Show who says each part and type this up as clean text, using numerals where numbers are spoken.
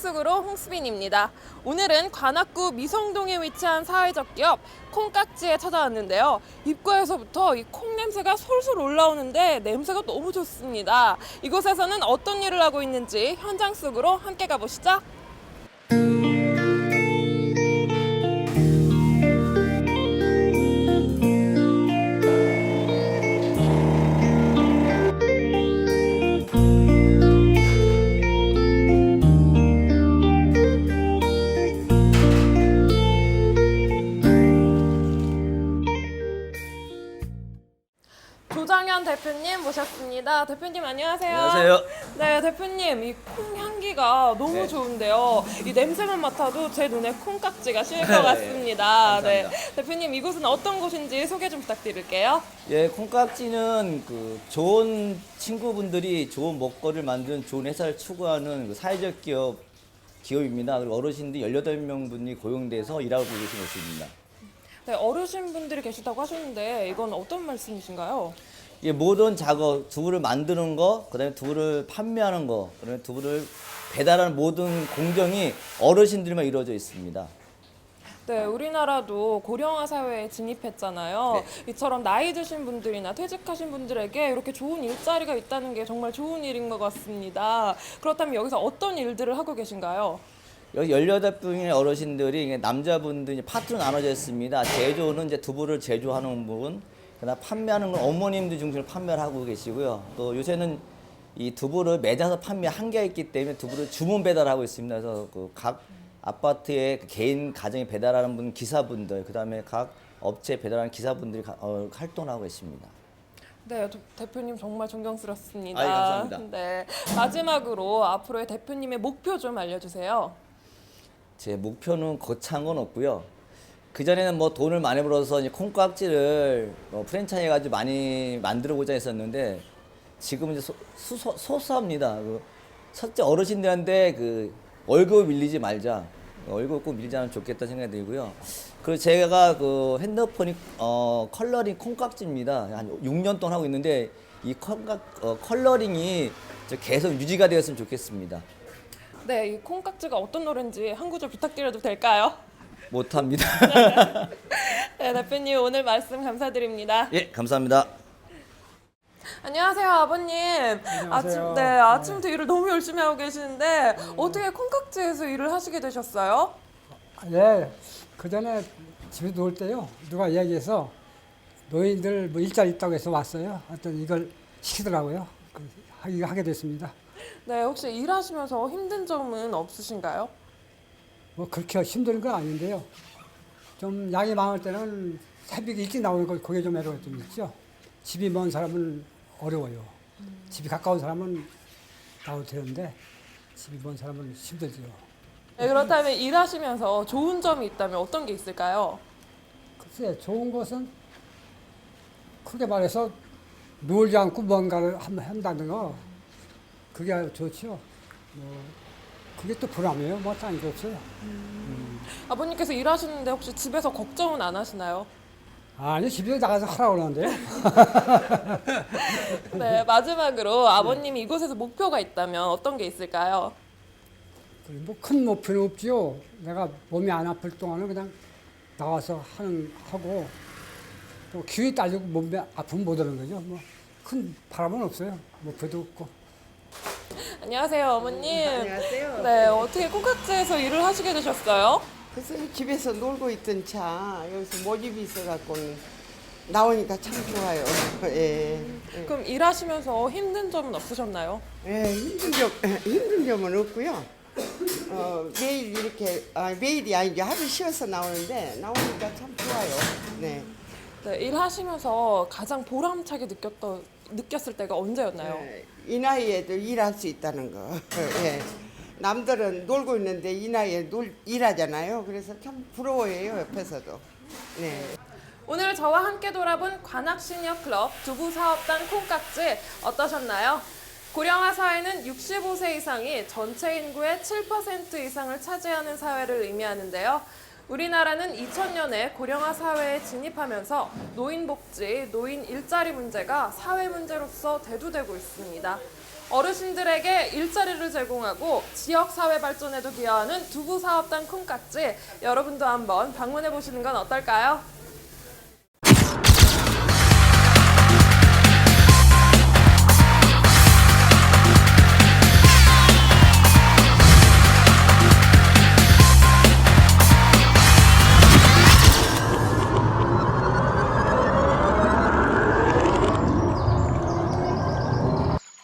Speaker 1: 속으로 홍수빈입니다. 오늘은 관악구 미성동에 위치한 사회적 기업 콩깍지에 찾아왔는데요. 입구에서부터 이 콩 냄새가 솔솔 올라오는데 냄새가 너무 좋습니다. 이곳에서는 어떤 일을 하고 있는지 현장 속으로 함께 가보시죠. 조장현 대표님 모셨습니다. 대표님 안녕하세요.
Speaker 2: 안녕하세요.
Speaker 1: 네, 대표님 이 콩 향기가 너무
Speaker 2: 네.
Speaker 1: 좋은데요. 이 냄새만 맡아도 제 눈에 콩깍지가 씌일 것
Speaker 2: 네,
Speaker 1: 같습니다. 네,
Speaker 2: 감사합니다.
Speaker 1: 대표님 이곳은 어떤 곳인지 소개 좀 부탁드릴게요.
Speaker 2: 예, 콩깍지는 그 좋은 친구분들이 좋은 먹거리를 만드는 좋은 회사를 추구하는 그 사회적 기업입니다. 그리고 어르신들 18명 분이 고용돼서 일하고 계신 곳입니다.
Speaker 1: 네, 어르신분들이 계시다고 하셨는데 이건 어떤 말씀이신가요?
Speaker 2: 예, 모든 작업, 두부를 만드는 거, 그다음에 두부를 판매하는 거, 그다음에 두부를 배달하는 모든 공정이 어르신들만 이루어져 있습니다.
Speaker 1: 네, 우리나라도 고령화 사회에 진입했잖아요. 이처럼 나이 드신 분들이나 퇴직하신 분들에게 이렇게 좋은 일자리가 있다는 게 정말 좋은 일인 것 같습니다. 그렇다면 여기서 어떤 일들을 하고 계신가요?
Speaker 2: 여기 18분의 어르신들이 이게 남자분들이 파트로 나눠져 있습니다. 제조는 이제 두부를 제조하는 부분, 그다음 판매하는 건 어머님들 중심으로 판매를 하고 계시고요. 또 요새는 이 두부를 매장에서 판매 한계가 있기 때문에 두부를 주문 배달하고 있습니다. 그래서 그 각 아파트의 개인 가정에 배달하는 분 기사분들, 그다음에 각 업체 배달하는 기사분들이 활동하고 계십니다.
Speaker 1: 네, 대표님 정말 존경스럽습니다.
Speaker 2: 아이, 감사합니다.
Speaker 1: 네, 마지막으로 앞으로의 대표님의 목표 좀 알려주세요.
Speaker 2: 제 목표는 거창한 건 없고요. 그전에는 뭐 돈을 많이 벌어서 이제 콩깍지를 프랜차이즈 해가지고 많이 만들어보자 했었는데 지금은 이제 소소합니다. 첫째 어르신들한테 그 월급 밀리지 말자. 월급 꼭 밀지 않으면 좋겠다 생각이 들고요. 그리고 제가 그 핸드폰이 컬러링 콩깍지입니다. 한 6년 동안 하고 있는데 이 컬러링이 계속 유지가 되었으면 좋겠습니다.
Speaker 1: 네, 이 콩깍지가 어떤 노래인지 한 구절 부탁드려도 될까요?
Speaker 2: 못합니다.
Speaker 1: 네, 대표님 오늘 말씀 감사드립니다.
Speaker 2: 예, 감사합니다.
Speaker 1: 안녕하세요, 아버님.
Speaker 3: 안녕하세요.
Speaker 1: 아침부터 일을 너무 열심히 하고 계시는데 어떻게 콩깍지에서 일을 하시게 되셨어요?
Speaker 3: 예, 그 전에 집에 놀 때요. 누가 얘기해서 노인들 뭐 일자리 있다고 해서 왔어요. 하여튼 이걸 시키더라고요. 하게 됐습니다.
Speaker 1: 네, 혹시 일하시면서 힘든 점은 없으신가요?
Speaker 3: 뭐 그렇게 힘든 건 아닌데요. 좀 양이 많을 때는 새벽에 일찍 나오는 거 그게 좀 애로가 좀 있죠. 집이 먼 사람은 어려워요. 집이 가까운 사람은 나와도 되는데 집이 먼 사람은 힘들죠.
Speaker 1: 네, 그렇다면 일하시면서 좋은 점이 있다면 어떤 게 있을까요?
Speaker 3: 글쎄, 좋은 것은 크게 말해서 놀지 않고 뭔가를 한다는 거 그게 좋죠. 뭐 그게 또 보람이에요. 뭐 딴 게 없어요.
Speaker 1: 아버님께서 일하시는데 혹시 집에서 걱정은 안 하시나요?
Speaker 3: 아니 집에 나가서 하라고 그러는데요.
Speaker 1: 네, 마지막으로 아버님이 이곳에서 목표가 있다면 어떤 게 있을까요?
Speaker 3: 뭐 큰 목표는 없지요. 내가 몸이 안 아플 동안은 그냥 나와서 하고 또 기운이 딸리고 몸이 아프면 못 하는 거죠. 뭐 큰 바람은 없어요. 목표도 없고.
Speaker 1: 안녕하세요, 어머님.
Speaker 4: 안녕하세요.
Speaker 1: 네, 어떻게 콩깍지에서 일을 하시게 되셨어요?
Speaker 4: 그래서 집에서 놀고 있던 차 여기서 모집이 있어갖고 나오니까 참 좋아요. 예.
Speaker 1: 그럼 일하시면서 힘든 점은 없으셨나요?
Speaker 4: 예, 힘든 점은 없고요. 매일 이렇게 매일이 아니죠. 하루 쉬어서 나오는데 나오니까 참 좋아요. 네.
Speaker 1: 네, 일하시면서 가장 보람차게 느꼈을 때가 언제였나요?
Speaker 4: 이 나이에도 일할 수 있다는 거. 예. 남들은 놀고 있는데 이 나이에 일하잖아요. 그래서 참 부러워해요, 옆에서도. 네.
Speaker 1: 오늘 저와 함께 돌아본 관악시니어클럽 두부사업단 콩깍지 어떠셨나요? 고령화 사회는 65세 이상이 전체 인구의 7% 이상을 차지하는 사회를 의미하는데요. 우리나라는 2000년에 고령화 사회에 진입하면서 노인 복지, 노인 일자리 문제가 사회 문제로서 대두되고 있습니다. 어르신들에게 일자리를 제공하고 지역 사회 발전에도 기여하는 두부 사업단 콩깍지, 여러분도 한번 방문해 보시는 건 어떨까요?